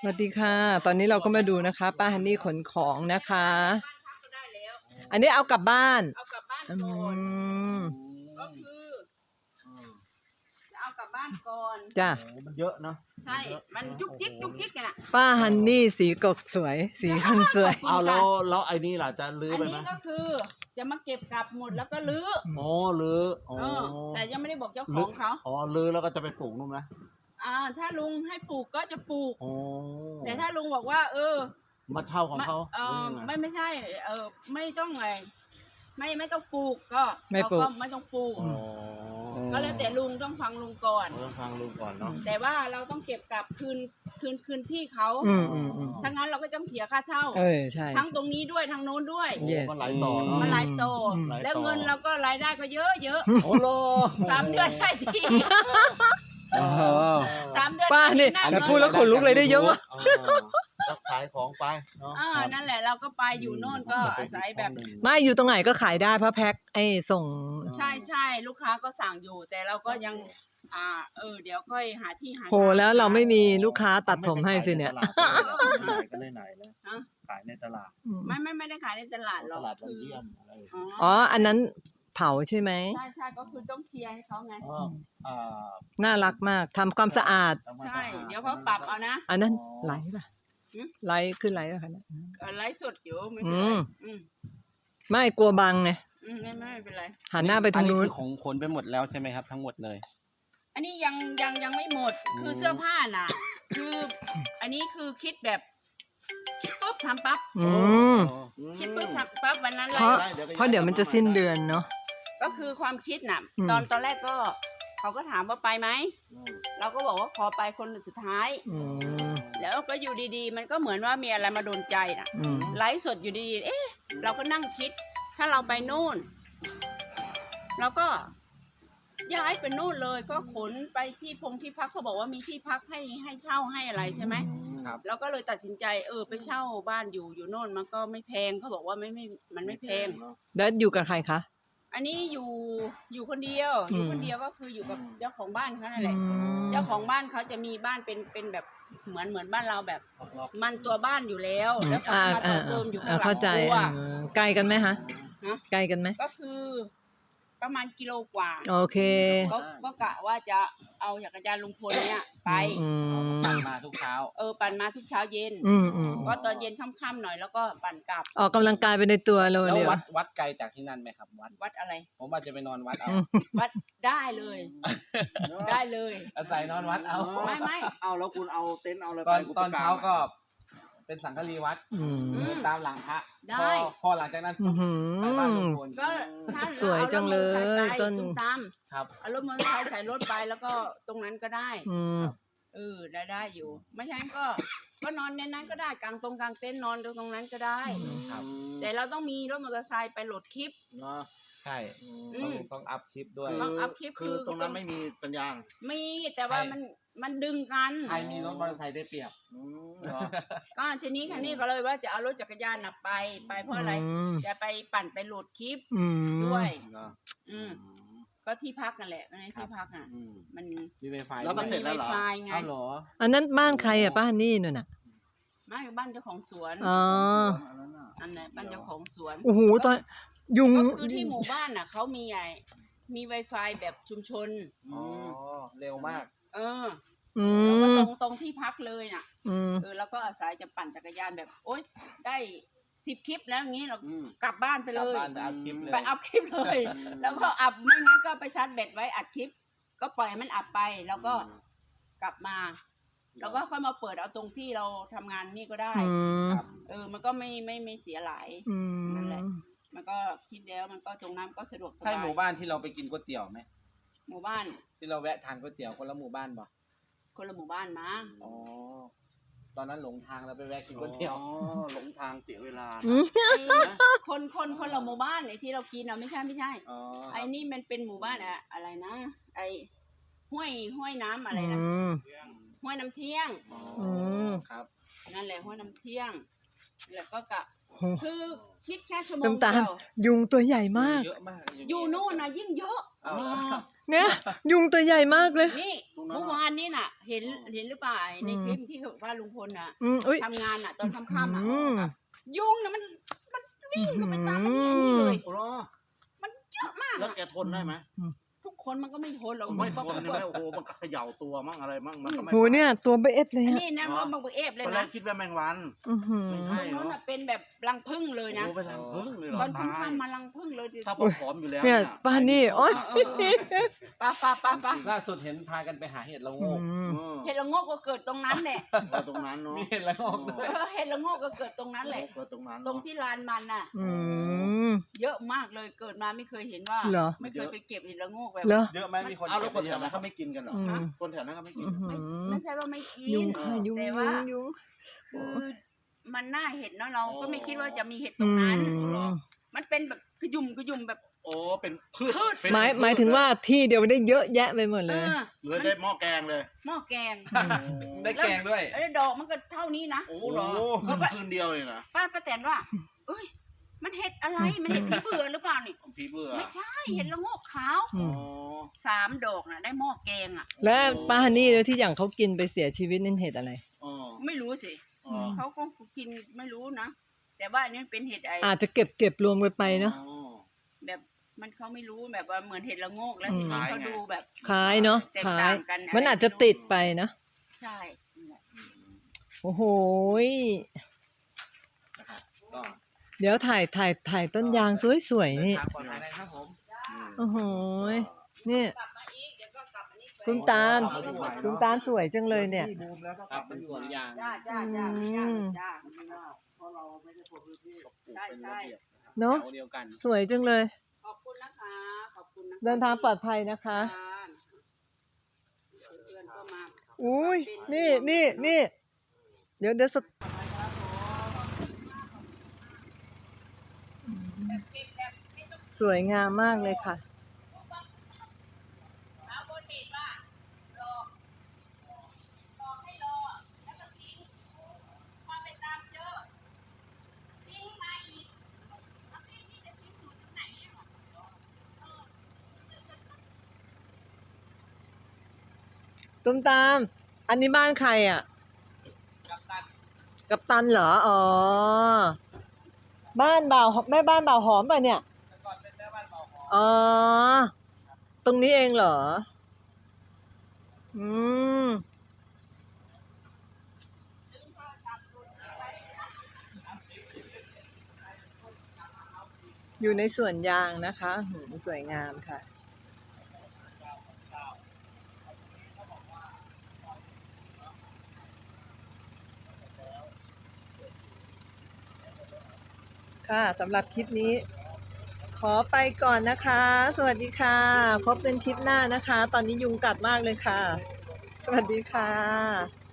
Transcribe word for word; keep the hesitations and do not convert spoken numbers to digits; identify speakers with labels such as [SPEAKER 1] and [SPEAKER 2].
[SPEAKER 1] สวัสดีค่ะ ตอนนี้เราก็มาดูนะคะป้าฮันนี่ขนของนะคะ อันนี้เอากลับบ้าน
[SPEAKER 2] เอากลับบ้าน
[SPEAKER 1] อื
[SPEAKER 2] ก่อน
[SPEAKER 1] ม
[SPEAKER 2] ก็คือจะเอากลับบ้านก่อน
[SPEAKER 1] จ้ะ
[SPEAKER 3] มันเยอะเนาะ
[SPEAKER 2] ใช่ มันจุกจิกจุกจิกกันอ่ะ
[SPEAKER 1] ป้าฮันนี่สีกกสวย สีคนสวย
[SPEAKER 3] เอาแล้วแล้วไอ้นี่ล่ะจะลื้อ
[SPEAKER 2] อัน
[SPEAKER 3] ไปไหม
[SPEAKER 2] นี้ก็คือจะมาเก็บกลับหมดแล้วก็ลื้อ
[SPEAKER 3] อ๋อลื้ออ๋อ
[SPEAKER 2] เออแต่ยังไม่ได้บอกเจ้าของเขา
[SPEAKER 3] อ๋อลื้อแล้วก็จะไปปลูกนู่นนะ
[SPEAKER 2] อ่าถ้าลุงให้ปลูกก็จะปลูก
[SPEAKER 3] อ๋อ
[SPEAKER 2] แต่ถ้าลุงบอกว่า เออ
[SPEAKER 3] มาเช่าของเขา
[SPEAKER 2] เออ
[SPEAKER 3] หรือยังไง
[SPEAKER 2] ไม่ไม่ใช่ เออไม่ต้องอะไรไม่ไม่ต้องปลูกก็
[SPEAKER 1] ไม่
[SPEAKER 2] เรา
[SPEAKER 1] ปลูก
[SPEAKER 2] ก็ไม่ต้องปลูก
[SPEAKER 3] อ๋อ
[SPEAKER 2] ก็แล้วแต่ลุงต้องฟังลุงก่อน
[SPEAKER 3] เราต้องฟังลุงก่อนเนาะ
[SPEAKER 2] แต่ว่าเราต้องเก็บกลับคืนคืนคืนที่เขา
[SPEAKER 1] อืมอืมอืม
[SPEAKER 2] ถ้างั้นเราก็ต้องเสียค่าเช่า
[SPEAKER 1] เออใช่
[SPEAKER 2] ทั้งตรงนี้ด้วยทั้งโน้นด้วย
[SPEAKER 3] โอ้
[SPEAKER 1] Yes
[SPEAKER 3] มันหลายต่อเนาะ
[SPEAKER 2] มันหลายโต
[SPEAKER 1] อืม
[SPEAKER 2] แล้วเงินเราก็รายได้ก็เยอะเยอะ
[SPEAKER 3] โอ้โห
[SPEAKER 2] สามเดือนได้ที
[SPEAKER 3] อ๋อ
[SPEAKER 2] สามเดือน
[SPEAKER 1] ป้านี่
[SPEAKER 2] ได้
[SPEAKER 1] แต่
[SPEAKER 2] ที
[SPEAKER 1] พูดแล้วขนลุกเลยได้เยอะมาก
[SPEAKER 3] อ๋อก็ขายของไปเนาะ
[SPEAKER 2] อ่านั่นแหละเราก็ไปอยู่โน่นก็อาศัยแบบ
[SPEAKER 1] ไม่อยู่ตรงไหนก็ขายได้เพราะแพ็คไอ้ส่ง
[SPEAKER 2] ใช่ใช่ลูกค้าก็สั่งอยู่ แต่เราก็ยัง อ่า เออ เดี๋ยวค่อยหาที่หา
[SPEAKER 1] โหแล้วเราไม่มีลูกค้าตัดผมให้สิเนี่ย
[SPEAKER 3] ไม่ไปขายในตลาดเลยก็เลยไหนแล้ว
[SPEAKER 2] ฮะ
[SPEAKER 3] ขายในตลาด
[SPEAKER 2] ไม่ไม่ไม่ได้ขายในตลาดหร
[SPEAKER 3] ต
[SPEAKER 2] อก
[SPEAKER 3] ลาดวัน
[SPEAKER 2] คือ
[SPEAKER 3] เยี่ยมอะไร
[SPEAKER 2] อ๋อ
[SPEAKER 1] อ๋อ อันนั้นเผาใช่ไหม
[SPEAKER 2] ใช่ใช่ก็คือต้องเคลียร์ให้เขาไง
[SPEAKER 3] อ๋ออ่า
[SPEAKER 1] น่ารักมากทำความสะอาด
[SPEAKER 2] ใช่ เดี๋ยวเขาปรับเอานะ
[SPEAKER 1] อันนั้นไหลป่ะ
[SPEAKER 2] หืม
[SPEAKER 1] ไหลขึ้นไหลป่ะคะเนี่ย
[SPEAKER 2] เออไลฟ์สดอยู่ไม่เป็นไร
[SPEAKER 1] อืม
[SPEAKER 2] อืม
[SPEAKER 1] ไม่กลัวบังไง
[SPEAKER 2] อืมไม่ไม่ไม่เป็นไร
[SPEAKER 1] หันหน้าไปทางนู้น
[SPEAKER 4] อัคือของขนไปหมดแล้วใช่ไหมครับทั้งหมดเลย
[SPEAKER 2] อันนี้ยังยังยังไม่หมด คือเสื้อผ้าน่ะ คือ อันนี้คือคิดแบบคิดปุ๊บทำปั๊บ
[SPEAKER 1] อืม
[SPEAKER 2] คิดปุ๊บทำปั๊บวันนั้นเล
[SPEAKER 1] เพราะ
[SPEAKER 2] ย
[SPEAKER 1] เพราะเดี๋ยวมันจะสิ้นเดือนเนาะ
[SPEAKER 2] ก็คือความคิดน่ะ
[SPEAKER 1] อืม
[SPEAKER 2] ตอนตอนแรกก็ เขาก็ถามว่าไปไหม เราก็บอกว่าขอไปคนสุดท้าย
[SPEAKER 1] อืม
[SPEAKER 2] แล้วก็อยู่ดีๆ มันก็เหมือนว่ามีอะไรมาโดนใจน่ะ
[SPEAKER 1] อืม
[SPEAKER 2] ไลฟ์สดอยู่ดีๆ เอ๊ะ เราก็นั่งคิด ถ้าเราไปนู่น เราก็ย้ายไปนู่นเลย ก็ขนไปที่พงที่พักเขาบอกว่ามีที่พักให้ให้เช่าให้อะไรใช่ไหม
[SPEAKER 4] ครับ
[SPEAKER 2] เราก็เลยตัดสินใจเออไปเช่าบ้านอยู่อยู่โน่นมันก็ไม่แพงเขาบอกว่าไม่ไม่มันไม่แพง
[SPEAKER 1] แล้วอยู่กับใครคะ
[SPEAKER 2] อันนี้อยู่อยู่คนเดียว
[SPEAKER 1] อืม
[SPEAKER 2] อยู่คนเดียวก็คืออยู่กับเจ้าของบ้านเขานั่นแหละ
[SPEAKER 1] อืม
[SPEAKER 2] เจ้าของบ้านเขาจะมีบ้านเป็นเป็นแบบเหมือนเหมือนบ้านเราแบบ มันตัวบ้านอยู่แล้วแล้วเขา
[SPEAKER 1] อ่า
[SPEAKER 2] มาต่
[SPEAKER 1] อ่า
[SPEAKER 2] อเติมอยู่ข้า
[SPEAKER 1] อ่าง
[SPEAKER 2] หลั
[SPEAKER 1] เข้าง ใจ
[SPEAKER 2] ครัว
[SPEAKER 1] เออไกลกันไหมฮะ
[SPEAKER 2] ฮะ
[SPEAKER 1] ไกลกันไหม
[SPEAKER 2] ก็คือประมาณกิโลกว่า
[SPEAKER 1] โอเค
[SPEAKER 2] ก็ก็กะว่าจะเอาจักรยานลุงพลเนี่ยไป
[SPEAKER 1] อืม
[SPEAKER 4] ปั่นมาทุกเช้า
[SPEAKER 2] เออปั่นมาทุกเช้าเย็น
[SPEAKER 1] อืมอืม
[SPEAKER 2] ก็ตอนเย็นค่ำๆหน่อยแล้วก็ปั่นกลับ
[SPEAKER 1] ออกกำลังกายไปในตัวเรา
[SPEAKER 4] แล้ว
[SPEAKER 1] เร็ว
[SPEAKER 4] วัดวัดไกลจากที่นั่นไหมครับ วัด
[SPEAKER 2] วัดอะไร
[SPEAKER 4] ผมว่าจะไปนอนวัดเอา
[SPEAKER 1] อืม
[SPEAKER 2] วัดได้เลย ได้เลย
[SPEAKER 4] อาศัยนอนวัดเอา
[SPEAKER 2] ไม่ไม่
[SPEAKER 3] เอาแล้วคุณเอาเต็นท์เอาอะไร
[SPEAKER 4] ต
[SPEAKER 3] ไป
[SPEAKER 4] อน
[SPEAKER 3] คุณ
[SPEAKER 4] ตอน
[SPEAKER 3] ประก
[SPEAKER 4] เช้า
[SPEAKER 3] ศ
[SPEAKER 4] ก็ เป็นสังฆรีวัด
[SPEAKER 1] อืม
[SPEAKER 2] อืม
[SPEAKER 4] เดินตามหลังพระ
[SPEAKER 2] ได้
[SPEAKER 4] พอพอหลังจากนั้น
[SPEAKER 1] อื้อหื
[SPEAKER 4] ไปบ้านลุง
[SPEAKER 1] อ
[SPEAKER 4] พล
[SPEAKER 2] ก็ถ้า
[SPEAKER 1] สวยจังเลย
[SPEAKER 2] อา
[SPEAKER 1] ต้
[SPEAKER 2] ต้
[SPEAKER 1] น
[SPEAKER 2] นตุ้มตาม
[SPEAKER 4] ครับ
[SPEAKER 2] เอารถมอเตอร์ไซค์ใส่รถไปแล้วก็ตรงนั้นก็ได้
[SPEAKER 1] อืม
[SPEAKER 2] เออได้ได้อยู่ ไม่ใช่ก็ ก็นอนในนั้นก็ได้กลางตรงกลางเต็นท์นอนตรงนั้นก็ได้
[SPEAKER 4] ครับ
[SPEAKER 2] แต่เราต้องมีรถมอเตอร์ไซค์ไปโหลดคลิป
[SPEAKER 3] เนาะ
[SPEAKER 4] ใช่
[SPEAKER 2] อื
[SPEAKER 4] ต้อง
[SPEAKER 2] ม
[SPEAKER 4] ต้องอัพคลิปด้วย
[SPEAKER 2] ต้องอัพคลิป
[SPEAKER 3] คือ
[SPEAKER 2] คือ
[SPEAKER 3] ตรงนั้นไม่มีสัญญาณ
[SPEAKER 2] มีแต่ว่า
[SPEAKER 4] ใช่
[SPEAKER 2] มันมันดึงกัน
[SPEAKER 4] ใครมีรถมอเตอร์ไซค์ได้เปรียบ
[SPEAKER 3] อืมเนาะ
[SPEAKER 2] ก็ทีนี้คันนี้ก็เลยว่าจะเอารถจักรยานน่ะไปไปเพราะอะไร
[SPEAKER 1] ม
[SPEAKER 2] จะไปปั่นไปโหลดคลิป
[SPEAKER 1] อืม
[SPEAKER 2] ด้วย
[SPEAKER 3] เนาะ
[SPEAKER 2] อืมก็ที่พักนั่นแหละในที่พักอ่ะ
[SPEAKER 3] อืม
[SPEAKER 2] มัน
[SPEAKER 4] มีไวไฟ
[SPEAKER 3] แล้วก็
[SPEAKER 2] มัน
[SPEAKER 3] เสร็
[SPEAKER 2] มี
[SPEAKER 3] จ
[SPEAKER 2] ไว
[SPEAKER 3] แล้วเหรอ
[SPEAKER 2] ไฟไง
[SPEAKER 4] อ้าวเหรอ
[SPEAKER 1] อันนั้นบ้านใครอ่ะป้าฮันนี่นู่นน่ะ
[SPEAKER 2] ไม่บ้านเจ้าของสวน
[SPEAKER 1] อ๋อ
[SPEAKER 3] อันนั้นน่ะ
[SPEAKER 2] อันไหนบ้านเจ้าของสวน
[SPEAKER 1] โอ้โหตอนยุง
[SPEAKER 2] ก็คือที่หมู่บ้านน่ะเขามีไงมี Wi-Fi แบบชุมชน
[SPEAKER 4] อ๋อ เร็วมาก
[SPEAKER 2] เออ
[SPEAKER 1] อื
[SPEAKER 2] แล้วก็
[SPEAKER 1] ม
[SPEAKER 2] ตรงตรงที่พักเลยน่ะ
[SPEAKER 1] อืม
[SPEAKER 2] เออแล้วก็อาศัยจะปั่นจักรยานแบบ โอ๊ยได้สิบคลิปแล้วอย่างนี้เรา
[SPEAKER 3] อืม
[SPEAKER 2] กลับบ้านไป
[SPEAKER 4] ก
[SPEAKER 2] เล
[SPEAKER 4] ลับ
[SPEAKER 2] ย
[SPEAKER 4] บ้านไปอัพคลิปเลย
[SPEAKER 2] ไปอัพคลิปเลย แล้วก็อัพไม่งั้นก็ไปชาร์จแบตไว้อัดคลิป ก็ปล่อยให้มันอัพไป แล้วก็กลับมา แล้วก็ค่อยมาเปิดเอาตรงที่เราทำงานนี่ก็ได้
[SPEAKER 1] อืม
[SPEAKER 2] เออ มันก็ไม่ไม่ไม่เสียหลาย
[SPEAKER 1] อื
[SPEAKER 2] นั่นแหละ
[SPEAKER 1] ม
[SPEAKER 2] มันก็คิดแล้วมันก็ตรงนั้นก็สะดวกส
[SPEAKER 4] ใช่
[SPEAKER 2] บาย
[SPEAKER 4] หมู่บ้านที่เราไปกินก๋วยเตี๋ยวไหม
[SPEAKER 2] หมู่บ้าน
[SPEAKER 4] ที่เราแวะทานก๋วยเตี๋ยวคนละหมู่บ้านบ่
[SPEAKER 2] คนละหมู่บ้านมั้ง
[SPEAKER 4] อ๋อ ตอนนั้นหลงทางเราไปแวะกินก๋วยเตี๋ยว
[SPEAKER 3] อ๋อหลงทางเสียเวลา
[SPEAKER 1] อืม
[SPEAKER 2] ไอ้คนคนคนละหมู่บ้านไอ้ที่เรากินอ่ะไม่ใช่ไม่ใช่
[SPEAKER 4] อ๋อ
[SPEAKER 2] ไอ้นี่มันเป็นหมู่บ้านอะอะไรนะ ไอ้ห้วยห้วยน้ำอะไรนะ
[SPEAKER 1] อืม
[SPEAKER 2] ห้วยน้ำเที่ยง
[SPEAKER 4] อ๋อ
[SPEAKER 1] อืม
[SPEAKER 4] ครับ
[SPEAKER 2] นั่นแหละห้วยน้ำเที่ยงแล้วก็กะ
[SPEAKER 1] โห
[SPEAKER 2] คือคิดแค่ชั่วโมง
[SPEAKER 1] น้ำตาล
[SPEAKER 2] เดียว
[SPEAKER 1] ยุงตัวใหญ่มาก
[SPEAKER 4] เยอะมากาง
[SPEAKER 2] อยู่นู่นนะยิ่งเยอะ
[SPEAKER 4] เอา
[SPEAKER 1] เนี่ยยุงตัวใหญ่มากเลย
[SPEAKER 2] นี่เมื่อวานนี่น่ะ เห็นเห็นหรือเปล่าในคลิปที่ว่าลุงพลน่ะ
[SPEAKER 1] อืมอุ้ย
[SPEAKER 2] ทำงานน่ะตอนค่ำๆอ่ะ
[SPEAKER 1] อืม
[SPEAKER 2] ยุงน่ะมันมันวิ่งเข้าไปตามมันอย่างนี้เลย
[SPEAKER 3] โอ้โห
[SPEAKER 2] มันเยอะมาก
[SPEAKER 3] แล้ว
[SPEAKER 2] อะ
[SPEAKER 3] แกทนได้ไหม
[SPEAKER 2] ทุกคนมันก็ไม่ทนหรอก
[SPEAKER 3] ไม่ท
[SPEAKER 2] มัน
[SPEAKER 3] น
[SPEAKER 2] ก็
[SPEAKER 3] ใช่ไหมโอ้โหมันก็เขย่าตัวมั่งอะไรมั่งมันก็ไม่
[SPEAKER 1] โหเนี่ยตัวเบสเลย
[SPEAKER 2] อัน
[SPEAKER 1] อะ
[SPEAKER 2] นี้นะมันบังเอฟเลย
[SPEAKER 3] ตอนแร
[SPEAKER 2] นะ
[SPEAKER 3] กคิดว่าแมงวัน
[SPEAKER 1] อือหือ
[SPEAKER 3] ไม่
[SPEAKER 2] ต
[SPEAKER 3] ใช่
[SPEAKER 2] รงนู้น
[SPEAKER 3] เนาะ
[SPEAKER 2] น่ะเป็นแบบรังผึ้งเลยนะ
[SPEAKER 3] โอ้ไปทางพึ่งเลยเหรอ
[SPEAKER 2] ตอน
[SPEAKER 3] ตาย
[SPEAKER 2] ค่ำๆมารังผึ้งเลยดิ
[SPEAKER 3] ถ้าผมผอมอยู่แล้ว
[SPEAKER 1] เนี่ยป้านี่โอ๊ย
[SPEAKER 2] เออเออเออไป้าป้าป้าป้า
[SPEAKER 4] ล่าสุดเห็นพากันไปหาเห็ดละโง
[SPEAKER 1] อื
[SPEAKER 4] ก
[SPEAKER 1] ม
[SPEAKER 3] เออ
[SPEAKER 2] เห็ดละโงกก็เกิดตรงนั้นแหละ
[SPEAKER 3] เออตรงนั้นเนาะ
[SPEAKER 4] มีเห็ดละโงกด้วย
[SPEAKER 2] เออเห็ดละโงกก็เกิดตรงนั้นแหละ
[SPEAKER 3] เออตรงนั้น
[SPEAKER 2] ตรง
[SPEAKER 3] เนาะ
[SPEAKER 2] ที่ลานมันน่ะ
[SPEAKER 1] อืม
[SPEAKER 2] เยอะมากเลยเกิดมาไม่เคยเห็นว่า
[SPEAKER 1] เหรอ
[SPEAKER 2] ไม่เคยไปเก็บเห็ดละโงกแบบ
[SPEAKER 1] เหรอ
[SPEAKER 4] เยอะไหมมีคน
[SPEAKER 3] เอาแล้วคน
[SPEAKER 4] เก็
[SPEAKER 3] แถ
[SPEAKER 4] บ
[SPEAKER 3] ว
[SPEAKER 4] ไปเย
[SPEAKER 3] นั้
[SPEAKER 4] อะ
[SPEAKER 3] น
[SPEAKER 4] ไหม
[SPEAKER 3] เขาไม่กินกันเหรอ
[SPEAKER 1] อืม
[SPEAKER 3] คนแถวนั้นเขาไม่กิน
[SPEAKER 1] อื้อหื
[SPEAKER 2] ไม่
[SPEAKER 1] อ
[SPEAKER 2] ไม่ใช่ว่าไม่กิ
[SPEAKER 1] ยุ
[SPEAKER 2] น
[SPEAKER 1] งค่ะยุง
[SPEAKER 2] แต่
[SPEAKER 1] ยุ
[SPEAKER 2] ว่า
[SPEAKER 1] งยุง
[SPEAKER 2] คือมันน่าเห็นเนาะเราก็ไม่คิดว่าจะมีเห็ดต
[SPEAKER 1] อื
[SPEAKER 2] รงนั้น
[SPEAKER 1] ม
[SPEAKER 2] มันเป็นแบบกระยุ่มกระยุ่มแบบ
[SPEAKER 3] โอ้เป็นพืช
[SPEAKER 2] พืช
[SPEAKER 3] เป็น
[SPEAKER 1] หมาย
[SPEAKER 3] พืช
[SPEAKER 1] หมายถึงว่าที่เดียวได้เยอะแยะไปหมด
[SPEAKER 2] เอ
[SPEAKER 1] เลย
[SPEAKER 2] อ
[SPEAKER 3] เลยได้หม้อแกงเลย
[SPEAKER 2] หม้อแกง
[SPEAKER 4] ได้แกงด้วย
[SPEAKER 2] แล้วดอกมันก็เท่านี้นะ
[SPEAKER 3] โอ้
[SPEAKER 4] โอ้
[SPEAKER 3] เหรอ
[SPEAKER 4] โห
[SPEAKER 3] คืนคืนเดียวเลยนะ
[SPEAKER 2] ป้าป้าแตนว่า เอ้ย มันเห็ดอะไร มันเห็ดผีเบื่อหรือเปล่านี่
[SPEAKER 3] ผีเบื่อ
[SPEAKER 2] ไม่ใช่ เห็ดละโงกขาว
[SPEAKER 1] อื
[SPEAKER 3] อ๋อ
[SPEAKER 1] ม
[SPEAKER 2] สามดอกน่ะ ได้หม้อแกงอ่ะ
[SPEAKER 1] และป้าฮันนี่ที่อย่างเขากินไปเสียชีวิตนั่นเห็ดอะไร
[SPEAKER 3] อ๋อ
[SPEAKER 2] ไม่รู้สิ
[SPEAKER 3] อ๋อ
[SPEAKER 2] เขาก็กินไม่รู้นะ แต่ว่าอันนี้มันเป็นเห็ดไอ
[SPEAKER 1] อาจจะเก็บเก็บรวมกันไปเนาะ
[SPEAKER 3] อ๋อ
[SPEAKER 2] แบบมันเขาไม่รู้แบบว่าเหมือนเห็ดละโงกแล้ว
[SPEAKER 1] อืม
[SPEAKER 2] ทีนี้เขาดูแบบ
[SPEAKER 1] คล้ายเนาะ
[SPEAKER 2] แตก
[SPEAKER 1] คล้า
[SPEAKER 2] ต่าย งกัน
[SPEAKER 1] มันอาจจะติดไปนะ
[SPEAKER 2] ใช่
[SPEAKER 1] โอ้โหย
[SPEAKER 4] ก็
[SPEAKER 1] เดี๋ยวถ่ายถ่ายถ่ายต้นยางสวยๆนี่
[SPEAKER 4] ทางปลอดภัยนะครับผม
[SPEAKER 1] โอ้โหยนี่
[SPEAKER 2] กลับมาอีกเดี๋ยวก็กลับมานี่ไป
[SPEAKER 1] คุณตาล คุณตาลสวยจังเลยเนี่ย
[SPEAKER 4] ครับเป็นสวนยาง
[SPEAKER 2] จ้าจ้าจ้า
[SPEAKER 1] อื
[SPEAKER 2] จ้าม จ้า
[SPEAKER 4] เพราะเราไม่ได้คนพื้นที่ปลูก
[SPEAKER 2] ใช่
[SPEAKER 4] เป็น
[SPEAKER 2] ใช่
[SPEAKER 4] ระเบียบ
[SPEAKER 1] เนาะ
[SPEAKER 4] แถวเดียวกัน
[SPEAKER 1] สวยจังเลย
[SPEAKER 2] ขอบคุณนะคะ ขอบคุณนะคะ
[SPEAKER 1] เดินทางปลอดภัยนะคะ
[SPEAKER 2] เพื่อนก็มา
[SPEAKER 1] อุ้ยนี่นี่นี่เดี๋ยวเดี๋ยวสตสวยงามมากเลยค่ะ
[SPEAKER 2] เอาบนเห็ดว่ารอรอให้รอแล้วก็ทิ้งพอไปตามเจอทิ้งมาอีกแล้วทิ้งนี่จะทิ้งอยู่ตรงไหนอ่ะเออ
[SPEAKER 1] ตุ้มตาม อันนี้บ้านใครอ่ะ
[SPEAKER 4] กับตัน
[SPEAKER 1] กับตันเหรอ อ๋อ บ้านบ่าวแม่บ้านบ่าวหอมป่ะเนี่ย
[SPEAKER 4] แต่ก่อนเป็นแม่บ้านเบาหอม
[SPEAKER 1] อ๋อ ตรงนี้เองเหรอ อืม อยู่ในสวนยางนะคะหืมสวยงามค่ะ ค่ะสำหรับคลิปนี้ ขอไปก่อนนะคะ สวัสดีค่ะ พบกันคลิปหน้านะคะ ตอนนี้ยุงกัดมากเลยค่ะ สวัสดีค่ะ